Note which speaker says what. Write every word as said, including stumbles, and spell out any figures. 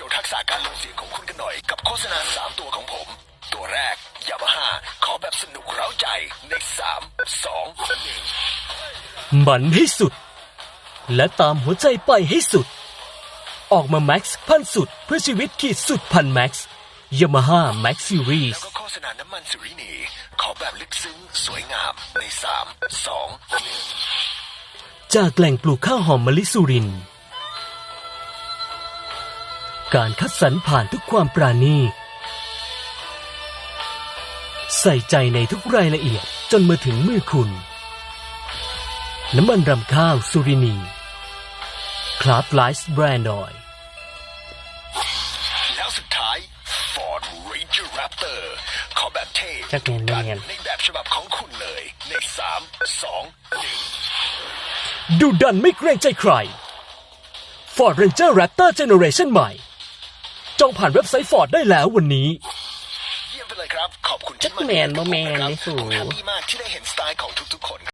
Speaker 1: ว์ทักษะการลงเสียงของคุณกันหน่อยกับโฆษณาสามตัวของผมตัวแรกยามาฮ่าขอแบบสนุกเร้าใจในสามสองหนึ่ง
Speaker 2: มันให้สุดและตามหัวใจไปให้สุดออกมาแม็กซ์พันสุดเพื่อชีวิตขีดสุดพันแม็กซ์ยามาฮ่าแม็กซ์ซีรีส์
Speaker 1: แล้วก็โฆษณาน้ำมันสุรินีขอแบบลึกซึ้งสวยงามในสามสองหนึ่ง
Speaker 2: จากแหล่งปลูกข้าวหอมมะลิสุรินทร์การคัดสรรผ่านทุกความปราณีตใส่ใจในทุกรายละเอียดจนมาถึงมือคุณน้ำมันรำข้าวสุรินีคลาสไลซ์แบรนด์ออยล์
Speaker 1: แล้วสุดท้าย Ford Ranger Raptor ขอแบบเท่
Speaker 2: จักแมน
Speaker 1: กั
Speaker 2: แมน
Speaker 1: ในแบบฉบับของคุณเลยในสามสองหนึ่ง
Speaker 2: ดูดันไม่เกรงใจใคร Ford Ranger Raptor Generation ใหม่จองผ่านเว็บไซต์ Ford ได้แล้ววันนี้
Speaker 1: เยี่ยมไปเลยครับขอบคุณที่
Speaker 2: จักแมนบ่แมน
Speaker 1: ครับ
Speaker 2: นี่สู
Speaker 1: ผมแฮปปี้มากที่ได้เห็นสไตล์ของทุกๆคน